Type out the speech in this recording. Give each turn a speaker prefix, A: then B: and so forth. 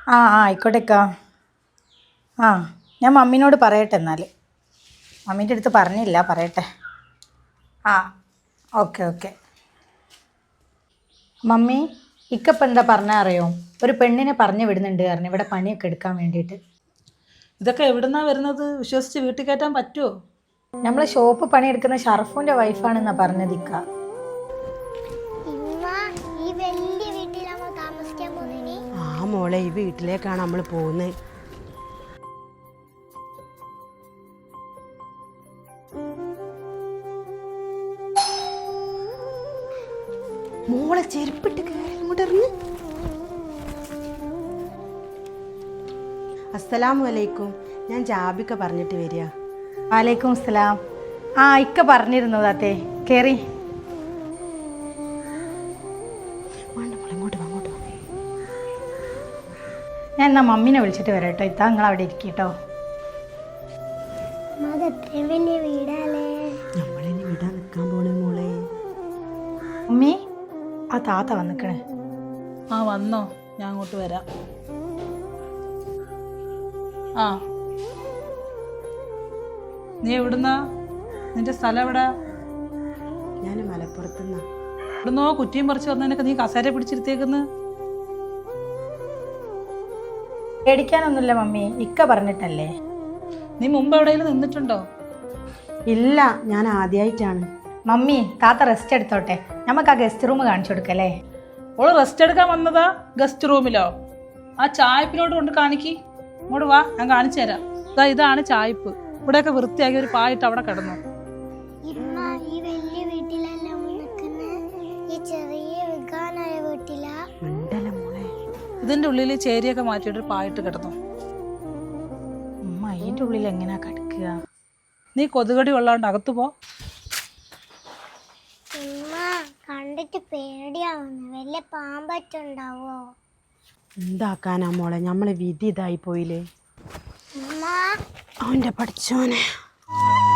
A: ആ ആ ആയിക്കോട്ടേക്കാ. ആ ഞാൻ മമ്മീനോട് പറയട്ടെ എന്നാൽ. മമ്മീൻ്റെ അടുത്ത് പറഞ്ഞില്ല, പറയട്ടെ. ആ ഓക്കെ ഓക്കെ. മമ്മി, ഇക്കപ്പം എന്താ പറഞ്ഞാൽ അറിയോ? ഒരു പെണ്ണിനെ പറഞ്ഞു വിടുന്നുണ്ട് കാരണം ഇവിടെ പണിയൊക്കെ എടുക്കാൻ വേണ്ടിയിട്ട്.
B: ഇതൊക്കെ എവിടുന്നാ വരുന്നത്? വിശ്വസിച്ച് വീട്ടിൽ കയറ്റാൻ പറ്റുമോ?
A: നമ്മൾ ഷോപ്പ് പണിയെടുക്കുന്ന ഷറഫൂൻ്റെ വൈഫാണെന്നാണ് പറഞ്ഞത് ഇക്ക.
C: ഇമ്മ, ഈ വലിയ വീട്ടിലാണോ താമസിക്കാൻ പോകുന്നേ?
D: ആ മോളെ, ഈ വീട്ടിലേക്കാണ് നമ്മൾ പോകുന്നത്. മോളെ ചെരുപ്പിട്ട് കയറി ഇങ്ങോട്ട് ഇറങ്ങ്. അസ്സലാമു അലൈക്കും. ഞാൻ ജാബിക്ക പറഞ്ഞിട്ട് വരിക.
A: വാലേക്കും അസ്സലാം. ആ ഇക്ക പറഞ്ഞിരുന്നു താത്തേ, കയറി.
D: വേണ്ട മോളെ, ഇങ്ങോട്ട് വാ, ഇങ്ങോട്ട് വാ.
A: ഞാൻ എന്നാൽ മമ്മീനെ വിളിച്ചിട്ട് വരാം കേട്ടോ. ഇത്താ നിങ്ങൾ അവിടെ ഇരിക്കട്ടോ.
C: അത് എത്രയും വലിയ വീടല്ലേ.
D: നമ്മളിനി വിടാൻ നിൽക്കാൻ പോണേ മോളെ.
A: മമ്മി, ആ താത്ത വന്നിക്കണേ.
B: ആ വന്നോ? ഞാൻ അങ്ങോട്ട് വരാം. ആ, നീ എവിടുന്നാ? നിന്റെ സ്ഥലം എവിടാ?
D: ഞാൻ മലപ്പുറത്തുനിന്നാ.
B: എവിടുന്നോ കുറ്റിയും പറിച്ച് വന്നതിനൊക്കെ നീ കസേര പിടിച്ചിരുത്തേക്കുന്നു.
A: പേടിക്കാനൊന്നുമില്ല മമ്മി, ഇക്ക പറഞ്ഞിട്ടല്ലേ.
B: നീ മുമ്പ് എവിടെയെങ്കിലും നിന്നിട്ടുണ്ടോ?
D: ഇല്ല, ഞാൻ ആദ്യമായിട്ടാണ്.
A: മമ്മി, താത്ത റെസ്റ്റ് എടുത്തോട്ടെ, നമുക്ക് ആ ഗസ്റ്റ് റൂം കാണിച്ചു കൊടുക്കല്ലേ.
B: ഓള് റെസ്റ്റ് എടുക്കാൻ വന്നതാ ഗസ്റ്റ് റൂമിലോ? ആ ചായപ്പിലോട്ട് കൊണ്ട് കാണിക്കി. ഇങ്ങോട്ട് വാ, ഞാൻ കാണിച്ചു തരാം. ഇതാണ് ചായപ്പ്. ഇവിടെയൊക്കെ വൃത്തിയാക്കി ഒരു പായിട്ട് അവിടെ കിടന്നു.
C: ഇമ്മ, ഈ വലിയ വീട്ടിലെല്ലാം നിൽക്കുന്നത് ഈ ചെറിയ വിൽക്കാനായ വീട്ടിലാ.
D: ഉണ്ടല്ലോ മോളെ.
B: ഇതിന്റെ ഉള്ളിൽ ചേരിയൊക്കെ മാറ്റിയിട്ട് പായിട്ട് കിടന്നു.
A: ഉമ്മ അതിൻ്റെ ഉള്ളിൽ എങ്ങനെയാ കിടക്കുക?
B: നീ കൊതുകടി കൊള്ളാണ്ട് അകത്തു പോ.
C: ഇമ്മ, കണ്ടിട്ട് പേടിയാവുന്നു. വലിയ പാമ്പറ്റുണ്ടാവോ?
D: എന്താക്കാനാ മോളെ, നമ്മളെ വിധി ഇതായി പോയില്ലേ.
C: ഇമ്മ,
D: അവൻ്റെ പഠിച്ചോനെ.